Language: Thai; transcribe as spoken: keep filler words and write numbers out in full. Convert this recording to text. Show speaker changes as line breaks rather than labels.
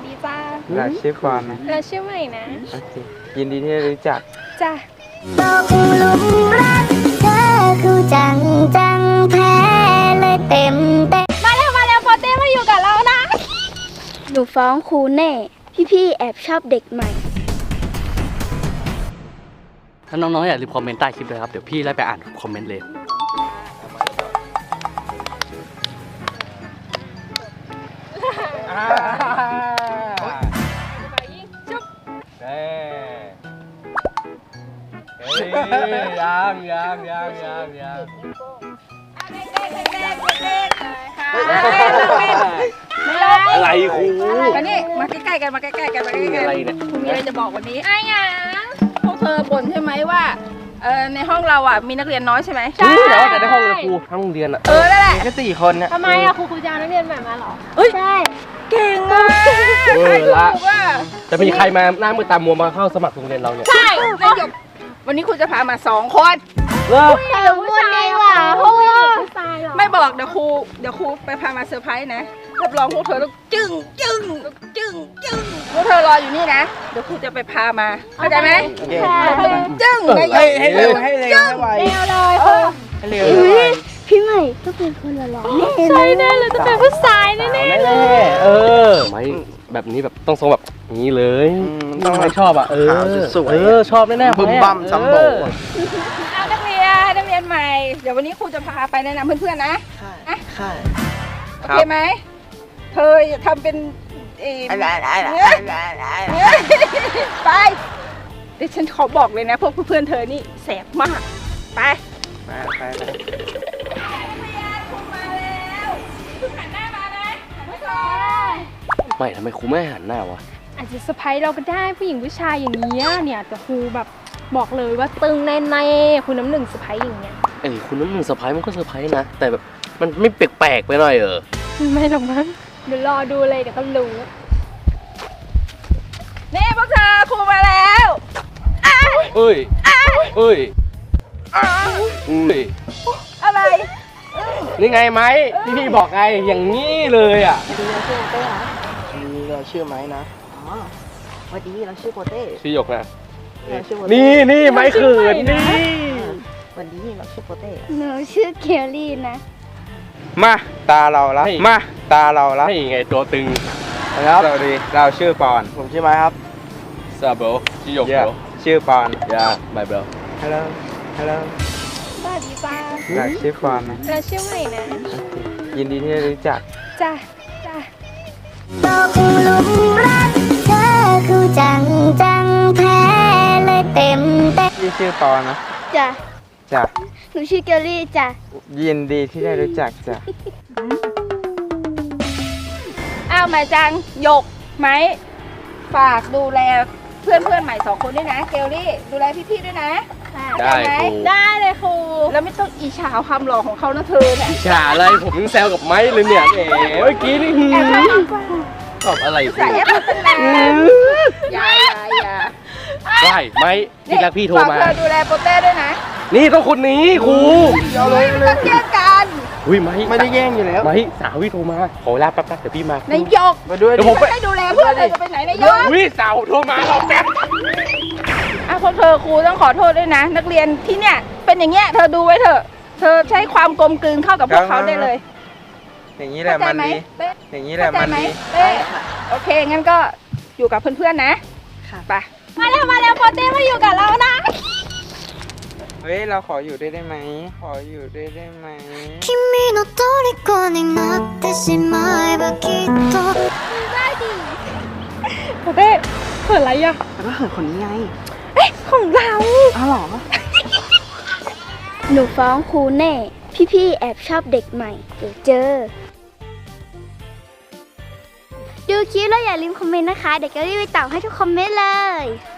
ดีจ้า
เราชื่อปอนนะ
เราชื่อใหม่นะ
โอเคยินดีที่ได้รู้จัก
จ้า
ตกหลุมรักเธอคือจังจังแพ้เลยเต็มเต็ม
มาแล้วมาแล้วโปเต้มาอยู่กับเรานะ
หนูฟ้องครูแน่พี่ๆแอบชอบเด็กใหม่
ถ้าน้องๆอยากรีบคอมเมนต์ใต้คลิปเลยครับเดี๋ยวพี่ไล่ไปอ่านคอมเมนต์เลย
เฮ้ยยังยังยังยังยัง
อะไรครู
มานี่มาใกล้ๆกันมาใกล้ๆกันมาใกล้ๆกัน
อะไรเนี่ย
คุณมีอะไรจะบอกวันนี้ไอ้ยังพวกเธอบ่นใช่ไหมว่าเออในห้องเราอ่ะมีนักเรียนน้อยใช่ไหม
ใช่แต่ว่าแต่ในห้องเราครูทั้งโรงเรียนอ่ะ
เออนั่นแหละ
แค่สี่คนเนี่ย
ทำไมอ่ะครูครูจะเอานักเรียนใหม่มาหรอ
เอ้ยใช่
เก่งอ่ะ
เออละจะมีใครมาหน้ามือตามัวมาเข้าสมัครโรงเรียนเราเนี่ย
ใช่นายกวันนี้ครูจะพามาสองคน
เลิก
แต่คนนี้ว่ะเพราะว่า
ไม่บอกเดี๋ยวครูเดี๋ยวครูไปพามาเซอร์ไพรส์นะรับรองพวกเธอต้องจึ้งจึ้งจึ้งจึ้งพวกเธอรออยู่นี่นะเดี๋ยวครูจะไปพามาเข้าใจไหมจึ้ง
ให้ให้เร็วให้เร็วให้ไว
เร็วเลย
ให้เร็วให้ไว
พี่ใหม่ก็เป็นคนหล่อๆ
ใช่แน่เลยจะเป็นผู้ชายแน่ๆเลย
เออไม่แบบนี้แบบต้องทรงแบบนี้เลยต้องไม่ชอบอ่ะเออเออชอบแน่ๆ
บึ้มบั้มซัมโบ
เอานักเรียนนักเรียนใหม่เดี๋ยววันนี้ครูจะพาไปแนะนำเพื่อนๆนะ
ค่ะค่ะ
โอเคไหมเธอทำเป็นเอไปเดี๋ยวฉันขอบอกเลยนะพวกเพื่อนๆเธอนี่แสบมากไป
ไปไปไป
ไม่ทำไมครูไม่หันหน้าวะ
อาจจะเซอร์ไพรส์เราก็ได้ผู้หญิงผู้ชายอย่างนี้เนี่ยแต่ครูแบบบอกเลยว่าตึงแน่ๆคุณน้ำหนึ่งเซอร์ไพรส์อย่างเงี้ย
เอ้ยคุณน้ำหนึ่งเซอร์ไพรส์มันก็เซอร์ไพรส์นะแต่แบบมันไม่แปลกๆไปหน่อยเออ
ไม่หรอกมั้งเดี๋ยวรอดูเลยเดี๋ยวก็รู้นี่พวกเธอครูมาแล้ว
เอ้ยเอ้ยเอ้ย
อะไร
นี่ไงไหมที่พี่บอกไงอย่างนี้เลยอ่ะ
เราชื่อไม้นะ
อ๋อวันนี้เราชื่อโปเต้
ชื่อหยกนะนี่นี่ไม้เขินนี่
วันนี้เราชื่อโปเต้
หนูชื่อเคียรี่นะ
มาตาเราละมาตาเราละ
นี่ไงตัวตึง
ครับสวัสดีเราชื่อปอนผมชื่อไม้ครับ
ซาโบชื่อหยกโบ
ชื่อปอน
ยาบายเบล
ฮัลโหลฮัลโหล
สวัสดีจ้า
เราชื่อปอนนะ
เราชื่อใหม่นะ
ยินดีที่ได้รู้จัก
จ้าจ้า
ตกหลุมรักเธอคือจังจังแพ้เลยเต็มเต็ม
พี่ชื่อปอนนะ
จ้ะ
จ้ะ
หนูชื่อเกลลี่จ้ะ
ยินดีที่ได้รู้จักจ้ะ
อ้าวมาจังหยกไหมฝากดูแลเพื่อนเพื่อนใหม่สองคนด้วยนะเกลลี่ดูแลพี่ๆด้วยนะ
ได้ไหม
ได้เลยครูแล้วไม่ต้องอิจฉาความหล่อของเขานะเธอเนี่ย
อิจฉาอะไรผมยังแซวกับไม้เลยเนี่ยเอ๋เมื่อกี้นี่ตอบอะไร
ใส่แอปเป็นแรงอย่าอย่า
ได้ไหมที่รักพี่โทรมา
ฝากเธอดูแลโปเต้ด้วยนะ
นี่ต้องคนนี้ครู
เอาเลยต้องแย่งกัน
อุ้ยไม่
ไม่ได้แย่งอยู่แล้ว
ไม่สาวพี่โทรมาขอลาแป๊บๆเดี๋ยวพี่มาน
ายก
มาด้วย
เดี๋ยวผมให้ดูแลเพื่อนเลยจะไปไหนนายก
อุ้ยสาวโทรมาเราแป๊บ
อ่ะพวกเธอครูต้องขอโทษด้วยนะนักเรียนที่เนี่ยเป็นอย่างเงี้ยเธอดูไว้เถอะเธอใช้ความกลมกลืนเข้ากับพวกเขาได้เลย
อย่างนี้แหละมันดีอย่างนี้แหละมันดี
โอเคงั้นก็อยู่กับเพื่อนๆนะค่ะไปมาแล้วมาแล้วโปเต้มาอยู่กับเรานะ
เฮ้ยเราขออยู่ได้ได้ไหมขออยู่ได้ได้ไหม
君の虜になってしまえばきっと
ได้ดิโปเต้เขินอะไรอ่ะ
แล้วก็เหินคนนี้ไง
เอ๊ะของเรา
อ้าวหรอ
หนูฟ้องครูแน่พี่ๆแอบชอบเด็กใหม่เดี๋ยวเจอดูคลิปแล้วอย่าลืมคอมเมนต์นะคะเดี๋ยวจะรีบไปตอบให้ทุกคอมเมนต์เลย